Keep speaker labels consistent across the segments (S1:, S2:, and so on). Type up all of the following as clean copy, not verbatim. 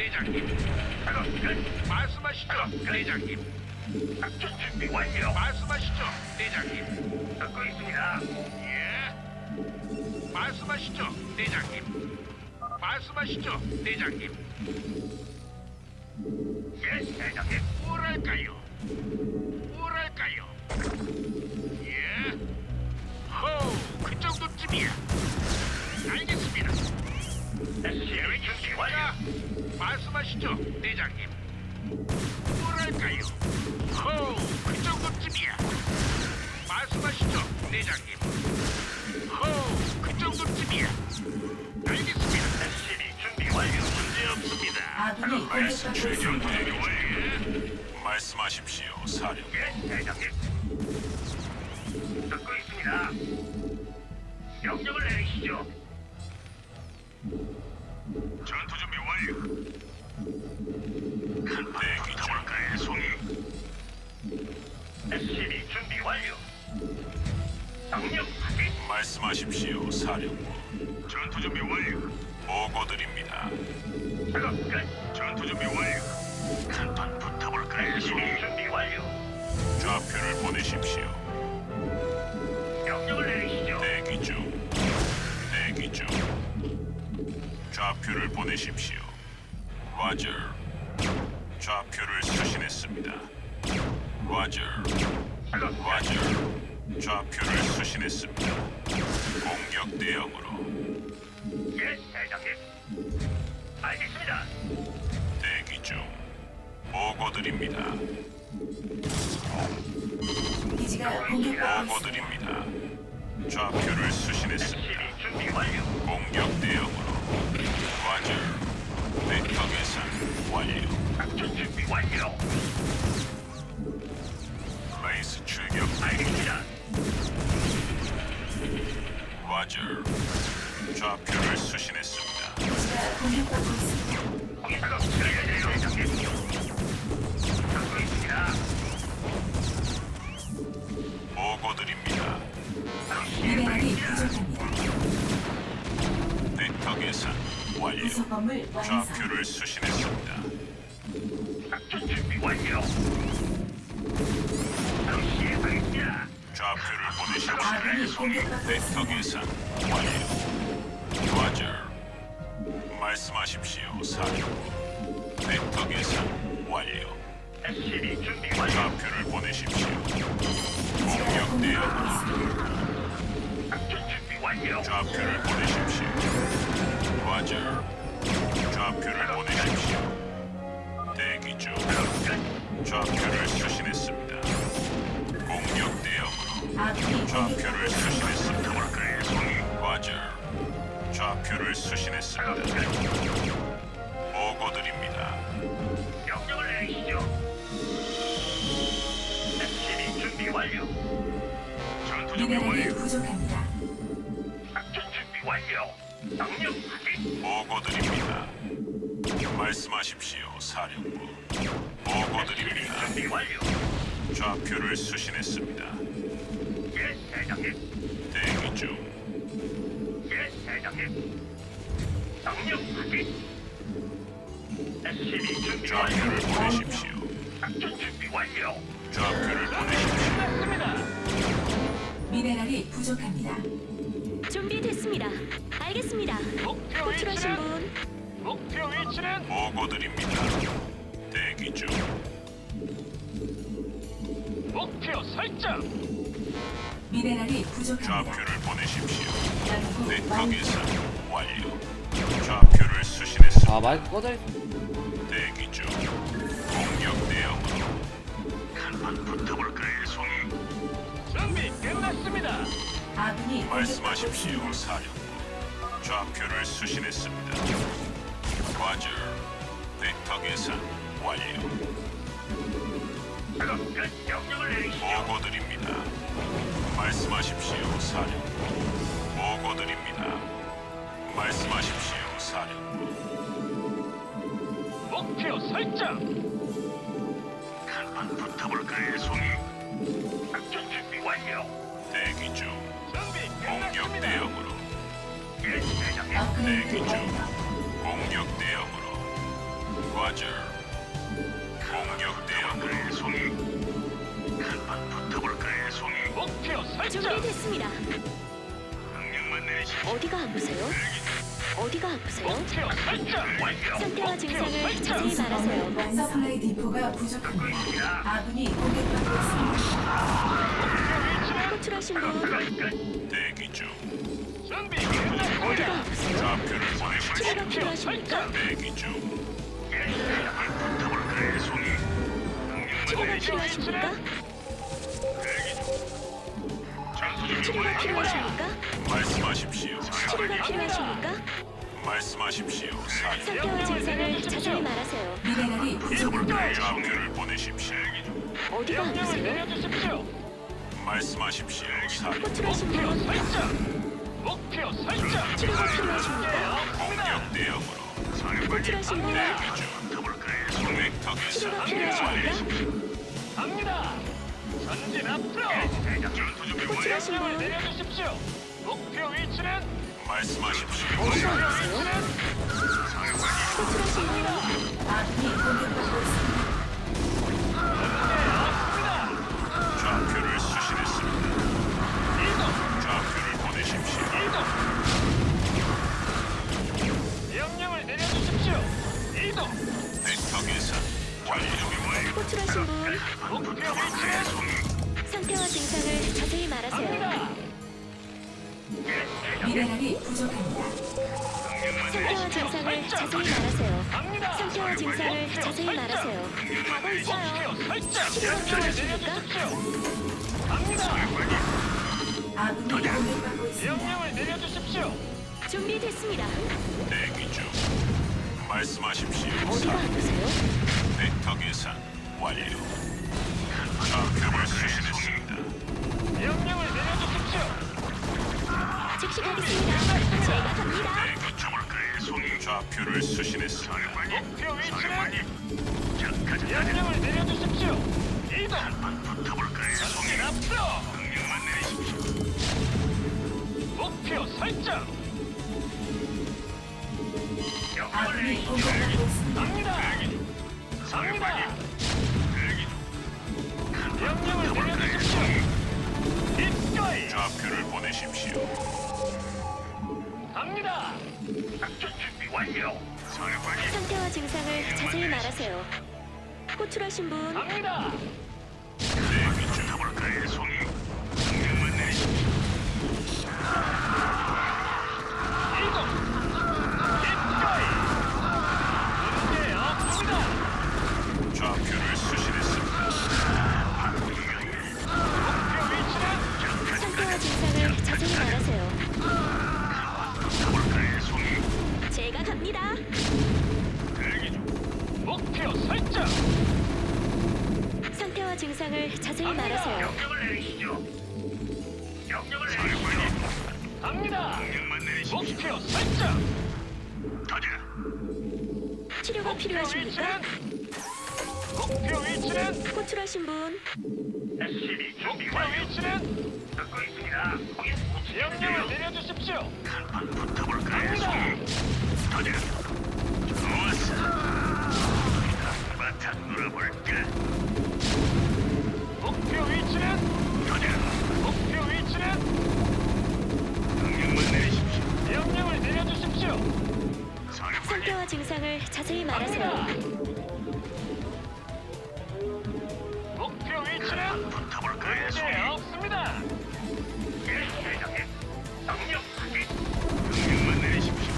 S1: 대장님. 작업 끝. 말씀하시죠, 대장님. 작전 준비 완료. 말씀하시죠, 대장님. 듣고 있습니다. 예. 말씀하시죠, 대장님. 말씀하시죠, 대장님. 예, 대장님. 뭐랄까요? 뭐랄까요? 예. 호우, 그 정도쯤이야. 알겠습니다. SCV 준비 완료. 말씀하시죠, 대장님. 뭐랄까요? 호우, 그 정도쯤이야. 말씀하시죠, 대장님. 호우, 그 정도쯤이야. 알겠습니다. SCV 준비 완료. 문제 없습니다.
S2: 아군이 공격받고 있습니다.
S3: 말씀하십시오, 사령.
S1: 예, 대장님. 듣고 있습니다. 명령을 내리시죠. 전투 준비 완료.
S3: 대기 중.
S1: 가볼까요, 송이? SCV 준비 완료. 명령 확인.
S3: 말씀하십시오, 사령부.
S1: 전투 준비 완료.
S3: 보고드립니다.
S1: 작업 끝. 전투 준비 완료. 한판 붙어볼까요, 송이? 준비 완료.
S3: 좌표를 보내십시오.
S1: 명령을 내리시죠.
S3: 대기 중. 대기 중. 좌표를 보내십시오. 와저. 좌표를 수신했습니다. 와저.
S1: 작업
S3: 와저. 좌표를 수신했습니다. 공격 대응으로.
S1: 예, 대장님. 알겠습니다.
S3: 대기 중. 보고드립니다.
S2: 기지가 공격받고 있습니다.
S3: 보고드립니다. 좌표를 수신했습니다.
S1: SCV 준비 완료.
S3: 공격 대응으로. 와저. 벡터 계산 완료.
S1: 작전 준비 완료.
S3: 레이스 출격.
S1: 알겠습니다.
S3: 와저. 좌표를 수신했습니다.
S2: 기지가 공격받고 있습니다.
S1: 거기 작업 들어야돼요, 대장님. 듣고 있습니다.
S3: 보고드립니다.
S2: 미네랄이 부족합니다.
S3: 벡터 계산 완료.
S2: 부속 건물 완성.
S3: 좌표를 수신했습니다.
S1: 작전 준비 완료. 바로 시행하겠습니다.
S3: 좌표를 보내십시오.
S2: 아군이 공격받고
S3: 벡터
S2: 있습니다.
S3: 계산 완료. 와저. 말씀하십시오, 사령. 벡터 계산 완료.
S1: SCV 준비 완료.
S3: 좌표를 보내십시오.
S2: 기지가
S3: 공격
S2: 공격받고
S3: 대응.
S2: 있습니다.
S1: 작전 준비 완료.
S3: 좌표를 보내십시오. 와저. 좌표를 보내십시오. 대기 중. 좌표를 수신했습니다. 공격 대응으로.
S2: 아군이
S3: 좌표를
S2: 공격받고 있습니다.
S3: 수신했습니다.
S1: 볼까요, 송이?
S3: 와저. 좌표를 수신했습니다. 보고드립니다.
S1: 명령을 내리시죠. SCV 준비 완료. 전투 준비
S2: 미네랄이
S1: 완료.
S2: 부족합니다.
S1: 작전 준비 완료. 명령 확인.
S3: 보고드립니다. 말씀하십시오, 사령부. 보고드립니다.
S1: 준비 완료.
S3: 좌표를 수신했습니다.
S1: 예, 대장님.
S3: 대기 중.
S1: 예, 대장님. 명령 확인. SCV 준비
S3: 좌표를
S1: 완료.
S3: 보내십시오.
S1: 작전 준비 완료.
S3: 좌표를 보내십시오.
S2: 미네랄이 부족합니다.
S4: 준비됐습니다. 알겠습니다.
S1: 목표
S4: 호출하신 분
S1: 목표 위치는
S3: 보고드립니다. 대기 중.
S1: 목표 설정.
S2: 미네랄이 부족합니다.
S3: 좌표를 보내십시오.
S2: 연구
S3: 벡터
S2: 완료.
S3: 계산 완료. 좌표를 수신했습니다.
S5: 아 마이크 꺼져 있어.
S3: 대기 중. 공격 대응으로.
S1: 한번 붙어볼까요, 송이? 준비 끝났습니다.
S2: 아군이
S3: 말씀하십시오, 사령부. 좌표를 수신했습니다. 과저. 벡터 계산 완료.
S1: 작업 끝. 명령을 내리시죠.
S3: 보고드립니다. 말씀하십시오, 사령부. 보고드립니다. 말씀하십시오, 사령부.
S1: 목표 설정. 한번 붙어볼까요, 송이? 작전 준비 완료.
S3: 대기 중.
S1: 준비
S3: 공격
S1: 끝났습니다.
S3: 대응으로.
S1: 예, 대장님.
S3: 대기
S2: 업그레이드
S3: 중.
S2: 완료.
S3: 공격 대응으로. 라저. 공격 대응.
S1: 볼까요, 송이? 한판 붙어볼까요, 송이? 목표 설정.
S4: 준비됐습니다.
S1: 명령만 내리십시오.
S4: 어디가 아프세요? 어디가 아프세요?
S1: 목표 설정. 완료.
S4: 상태와 증상을 자세히 말하세요.
S2: 서플라이 디포가 부족합니다. 아군이 공격받고 있습니다.
S4: 호출하신 분
S3: 대기 중.
S1: 준비
S4: 어디가
S1: 끝났습니다.
S4: 아프세요?
S3: 좌표를 보내십시오.
S4: 치료가 필요하십니까?
S3: 대기 중.
S1: 한판 붙어볼까요, 송이?
S4: 치료가 필요하십니까? 치료가 필요하십니까?
S3: 말씀하십시오.
S4: 치료가 필요하십니까?
S3: 말씀하십시오. 사령.
S4: 상태와 증상을 자세히 말하세요.
S2: 미네랄이 부족합니다.
S3: 좌표를 보내십시오.
S4: 어디가 아프세요?
S1: 내려주십시오.
S3: 말씀하십시오. 사령.
S4: 호출하신 분
S1: 목표 설정.
S4: 치료가 필요하십니까?
S3: 공격 대응으로.
S4: 호출하신 분
S3: 대기 중. 벡터 계산.
S4: 치료가 필요하십니까?
S1: 갑니다. 전진 앞으로. 전투 준비 완료.
S4: 호출하신 분
S1: 내려주십시오. 목표 위치는
S3: 말씀하십시오.
S4: 어디가 아프세요? 호출하신 분
S2: 아군이 공격받고 있습니다.
S3: 좌표를 수신했습니다. 좌표를 보내십시오.
S1: 명령을 내려주십시오. 이동.
S3: 벡터 계산. 완료.
S4: 호출하신 분
S1: 목표 위치는
S4: 상태와 증상을 자세히 말하세요.
S1: 갑니다.
S2: 미네랄이 부족합니다.
S4: 상태와 증상을 자세히 말하세요.
S1: 갑니다.
S4: 상태와 증상을 자세히 말하세요. 가고 있어요.
S1: 목표 설정.
S4: 치료가 필요하십니까?
S1: 갑니다.
S2: 아군이 공격받고 있습니다.
S1: 명령을 내려주십시오.
S4: 준비됐습니다.
S3: 대기 중. 말씀하십시오.
S4: 어디가 아프세요?
S3: 벡터 계산. 완료. 좌표를 수신했습니다.
S1: 명령을 내려주십시오.
S4: 즉시 가겠습니다. 제가 갑니다.
S3: 대기 중. 좌표를 수신했습니다.
S1: 목표 위치는 명령을 내려주십시오. 이동. 전진 앞으로. 목표 설정.
S2: 아군이 공격받고 있습니다.
S1: 갑니다. 갑니다. 명령을 내려주십시오. 기꺼이
S3: 좌표를 보내십시오.
S1: 갑니다. 작전 준비 완료. 사령관님.
S4: 상태와 증상을 자세히 말하세요. 호출하신 분
S1: 갑니다.
S3: 대기 중.
S1: 볼까요, 송이? 명령만 내리십시오. 이동. 기꺼이. 문제 없습니다.
S3: 좌표를 수신했습니다.
S1: 목표 위치는
S4: 상태와 증상을 자세히 말하세요.
S1: 볼까요, 송이?
S4: 제가 갑니다.
S1: 대기 중. 목표 설정.
S4: 상태와 증상을 자세히 말하세요.
S1: 명령을 내리시죠. 명령을 내리시죠. 갑니다. 명령만 내리십시오. 목표 설정. 가자.
S4: 치료가 필요하십니까?
S1: 목표 위치는
S4: 호출하신 분
S1: SCB 준비 완료. 위치는 듣고 있습니다. 명령을 내려주십시오. 한판 붙어볼까요? 갑니다. 가자. 좋았어. 바탕 놀아볼까? 목표 위치는 가자. 목표 위치는 명령만 내리십시오. 명령을 내려주십시오.
S4: 상태와 증상을 자세히 말하세요.
S1: 목표 위치는 붙어볼까요? 문제 없습니다. 예, 대장님. 명령 확인. 명령만 내리십시오.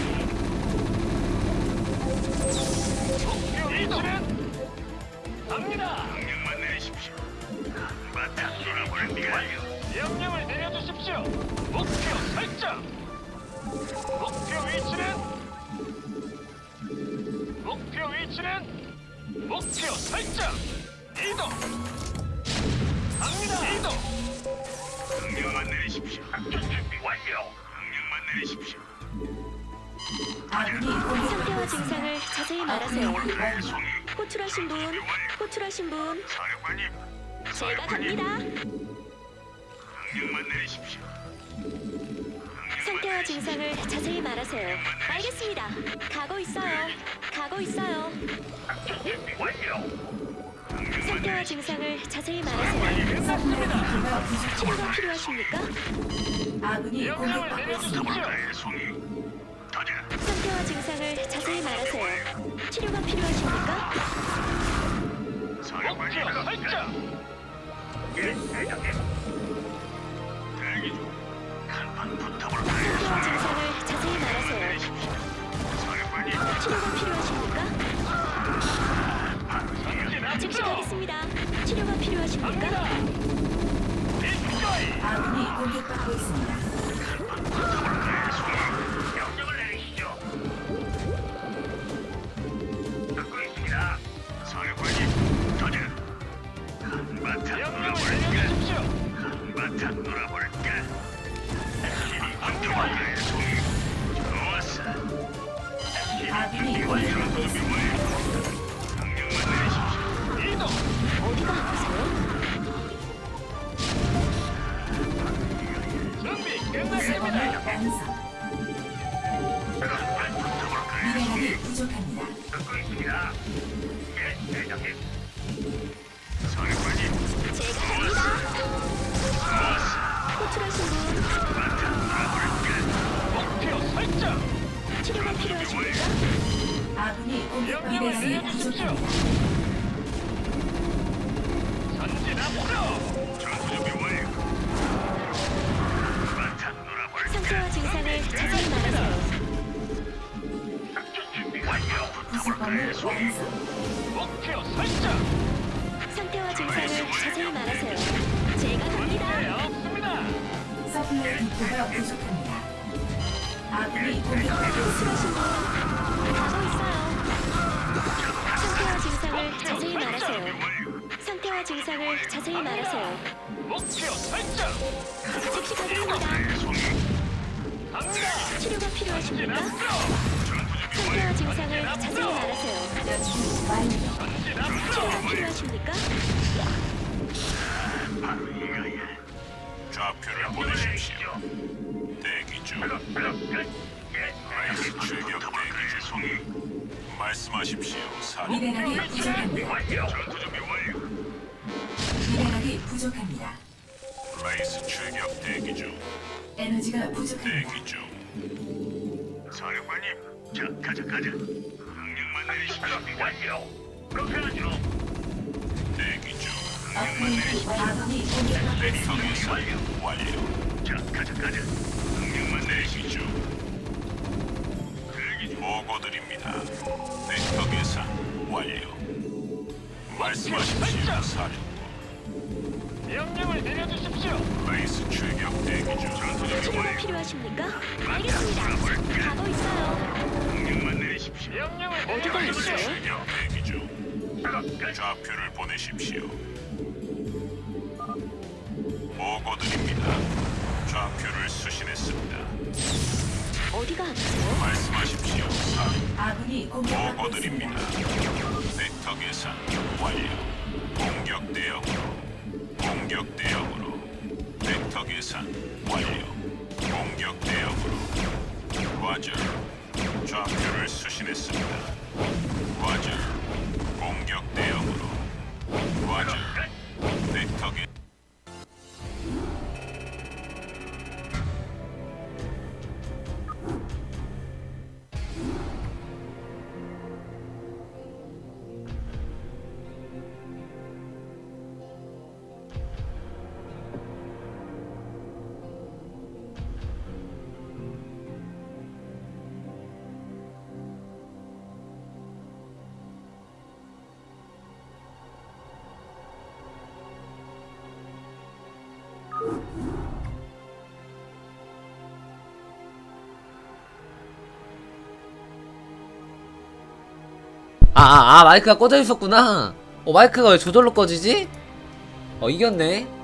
S1: 목표 위치는 갑니다. 명령만 내리십시오. 바탕 놀아볼까? 명령을 내려주십시오. 목표 설정. 목표 위치는 목표 위치는 목표 설정. 이동. 갑니다. 이동. 명령만 내리십시오. 작전 준비 완료. 명령만 내리십시오.
S2: 아군이
S4: 상태와
S2: 공격받고 있습니다.
S4: 증상을 자세히 말하세요.
S1: 송이.
S4: 호출하신 분 호출하신 분
S1: 사령관님.
S4: 제가 갑니다.
S1: 명령만 내리십시오.
S4: 상태와 증상을 자세히 말하세요. 알겠습니다. 가고 있어요. 가고 가고 있어요.
S1: 작전 준비 완료.
S4: 상태와 증상을 자세히 말하세요.
S2: 서플라이 디포가
S4: 치료가
S2: 부족합니다.
S4: 필요하십니까?
S2: 아군이 공격받고 있습니다.
S1: 붙어볼까요, 송이? 가자.
S4: 상태와 증상을 자세히 말하세요. 치료가 필요하십니까?
S1: 사령관님. 예, 대장님. 대기 중. 한판 붙어볼까요,
S4: 상태와
S1: 송이?
S4: 증상을 자세히 말하세요.
S1: 사령관님.
S4: 치료가 필요하십니까? 즉시 가겠습니다. 치료가 필요하십니까?
S2: 아군이 공격받고 있습니다.
S1: 명령을 내리시죠. 듣고 있습니다. 사령관님, 가자. 한바탕 놀아볼까? 한바탕 놀아볼까? SCV 준비완료의 송이. 좋았어.
S2: 아군이
S1: SCV
S2: 공격받고
S1: 준비
S2: 있습니다.
S1: 완료. 명령만 내리십시오. 이동.
S4: 어디가 아프세요?
S2: 구성원을 완성.
S1: 한판 붙어볼까요, 송이?
S2: 미네랄이 부족합니다.
S1: 듣고 있습니다. 예, 대장님. 사령관님.
S4: 제가 갑니다. 호출하신 분 치료가 필요하십니까?
S2: 아군이 공격받고 미네랄이 부족합니다.
S1: 전투준비 완료. 한바탕 놀아볼까?
S4: 상태와 증상을 자세히 말하세요.
S1: 작전 준비 완료.
S2: 구성원을
S1: 붙어볼까요, 송이?
S2: 완성.
S4: 상태와 증상을 자세히 말하세요. 제가 갑니다.
S2: 서플라이 디포가 부족합니다. 아군이 공격받고 있습니다.
S4: 호출하신 분 가고 있어요. 상태와 증상을 자세히 말하세요. 상태와 증상을 자세히 말하세요. 즉시 가겠습니다.
S1: 송이.
S4: 치료가 필요하십니까? 상태와 증상을 자세히 말하세요.
S2: 연구 완료.
S4: 치료가 필요하십니까?
S1: 바로 이거야.
S3: 좌표를 보내십시오. 대기 중. 라이스 출격 대기 중.
S1: 송이.
S3: 말씀하십시오. 사령.
S2: 미네랄이 부족합니다.
S1: 완료. 전투준비 완료.
S2: 미네랄이 부족합니다.
S3: 라이스 출격 대기 중.
S2: 에너지가 부족합니다.
S3: 대기 중.
S1: 사령관님, 자, 가자. 명령만 내리십시오. 완료. 그렇게 하죠.
S3: 대기 중.
S2: 업그레이드 아군이 공격받고 있습니다.
S3: 상에서 완료.
S1: 자, 가자. 명령만 내리십시오.
S3: 대기 중.
S1: 대기 중.
S3: 보고드립니다. 벡터 계산 완료. 말씀하십시오. 사령부.
S5: 명령을 내려주십시오.
S3: 라이스 출격 대기 중.
S1: 전투준비
S4: 치료가
S1: 완료.
S4: 필요하십니까? 알겠습니다. 가고 있어요.
S1: 명령만 내리십시오.
S5: 명령을
S4: 어디가
S5: 내려주십시오.
S4: 있어요?
S3: 출격 대기 중.
S1: 작업 끝.
S3: 좌표를 보내십시오. 보고드립니다. 좌표를 수신했습니다.
S4: 어디가 아프세요?
S3: 말씀하십시오. 사령부.
S2: 아군이 공격받고
S3: 보고드립니다.
S2: 있습니다.
S3: 벡터 계산 완료. 공격 대응으로. 공격 대응으로. 벡터 계산 완료. 공격 대응으로. 과절. 좌표를 수신했습니다. 과절. 공격 대응으로. 과절. 벡터 계
S6: 마이크가 꺼져 있었구나. 마이크가 왜 저절로 꺼지지? 이겼네.